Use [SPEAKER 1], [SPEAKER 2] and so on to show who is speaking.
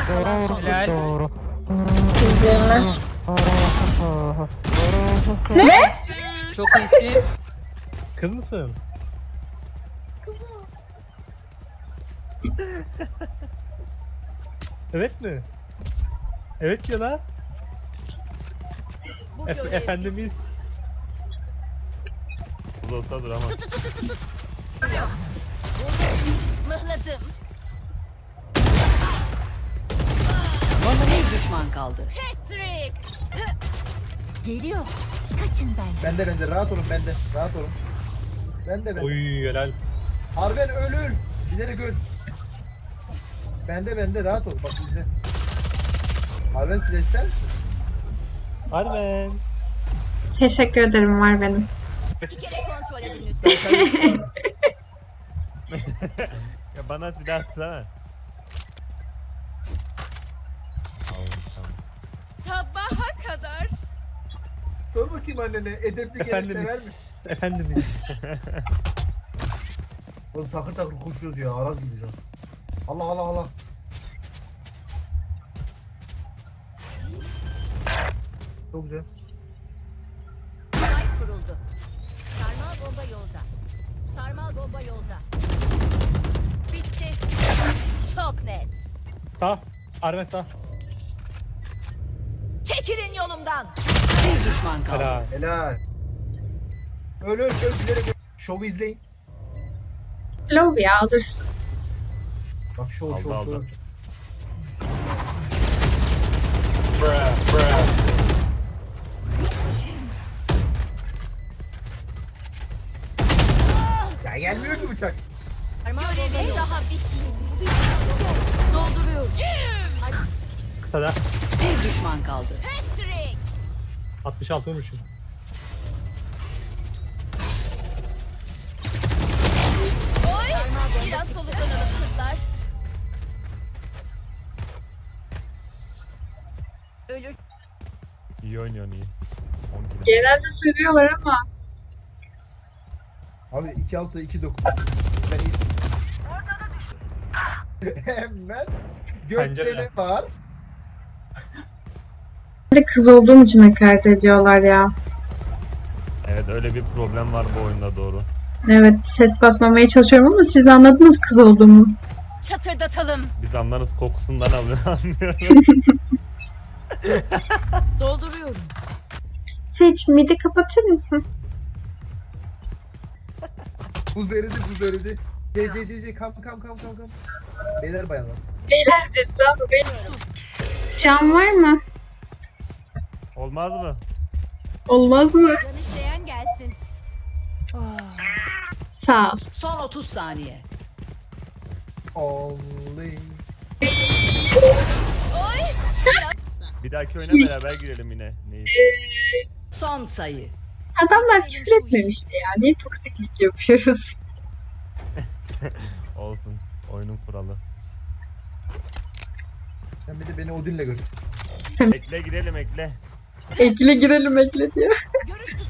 [SPEAKER 1] kalan son.
[SPEAKER 2] Helal.
[SPEAKER 3] Ne?
[SPEAKER 1] Çok iyisin.
[SPEAKER 2] Kız mısın? Evet mi? Evet diyor la. Efendimiz.
[SPEAKER 4] Kız olsa dur ama.
[SPEAKER 5] Mıhladım.
[SPEAKER 1] Bir düşman kaldı.
[SPEAKER 5] Patrick. Geliyor. Kaçın bence.
[SPEAKER 3] Bende rahat olun bende. Rahat olun. Bende.
[SPEAKER 2] Oy helal.
[SPEAKER 3] Harben ölür. İleri gör. Bende rahat ol. Bak izle. Harben silah ister misin?
[SPEAKER 2] Armen.
[SPEAKER 6] Teşekkür ederim, var benim.
[SPEAKER 5] İki kere kontrol edin lütfen.
[SPEAKER 4] Ya bana silah atsana. Tamam.
[SPEAKER 5] Sabaha kadar.
[SPEAKER 3] Sor bakayım annene. Edepli gelin sever mi?
[SPEAKER 2] Efendimiz. Efendimiz.
[SPEAKER 3] Oğlum takır takır koşuyoruz ya. Araz gibi ya. Allah. Çok güzel.
[SPEAKER 5] Ay kuruldu. Sarmal bomba yolda. Sarmal bomba yolda. Bitti. Çok net.
[SPEAKER 2] Sağ. Armen sağ.
[SPEAKER 5] Çekilin yolumdan.
[SPEAKER 1] Bir düşman kaldı.
[SPEAKER 2] Helal.
[SPEAKER 3] Helal. Öl bilerek öl. Şovu izleyin.
[SPEAKER 6] Love ya, alırsın.
[SPEAKER 3] Bak şov.
[SPEAKER 4] Aldı.
[SPEAKER 3] Ya gelmiyor ki bıçak.
[SPEAKER 5] Görevim daha bitmedi. Dolduruyorum.
[SPEAKER 2] Kısa da.
[SPEAKER 1] Bir düşman kaldı.
[SPEAKER 5] Patrick.
[SPEAKER 2] 66 vurmuşum.
[SPEAKER 5] Oy. Biraz soluklanalım kızlar. Ölür.
[SPEAKER 4] İyi oynuyorsun iyi. 10 kilo.
[SPEAKER 6] Genelde sövüyorlar ama
[SPEAKER 3] Abi 2-6 2-9. Sen iyisin. Hemen gökte
[SPEAKER 2] Pencere.
[SPEAKER 3] ne var?
[SPEAKER 6] bir de kız olduğum için hakaret ediyorlar ya.
[SPEAKER 4] Evet öyle bir problem var bu oyunda doğru.
[SPEAKER 6] Evet, ses basmamaya çalışıyorum ama siz anladınız kız olduğumu.
[SPEAKER 5] Çatırdatalım.
[SPEAKER 4] Biz anlarız kokusundan anlıyorum.
[SPEAKER 5] Dolduruyorum.
[SPEAKER 6] Seç, midi kapatır mısın?
[SPEAKER 3] Buz eridi. Kam. Beyler bayanlar.
[SPEAKER 6] Beyler dedi ama can var mı?
[SPEAKER 4] Olmaz mı?
[SPEAKER 6] Olmaz mı?
[SPEAKER 5] Can isteyen gelsin.
[SPEAKER 6] Sağ ol.
[SPEAKER 1] Son 30 saniye.
[SPEAKER 3] Only.
[SPEAKER 4] Bir dahaki oyuna beraber girelim yine. Neyi?
[SPEAKER 1] Son sayı.
[SPEAKER 6] Adamlar küfür etmemişti ya. Niye toksiklik yapıyoruz?
[SPEAKER 4] Olsun. Oyunun kuralı.
[SPEAKER 3] Sen bir de beni Odin'le gör.
[SPEAKER 4] Ekle girelim ekle.
[SPEAKER 6] Ekle girelim ekle diyor.
[SPEAKER 5] Görüş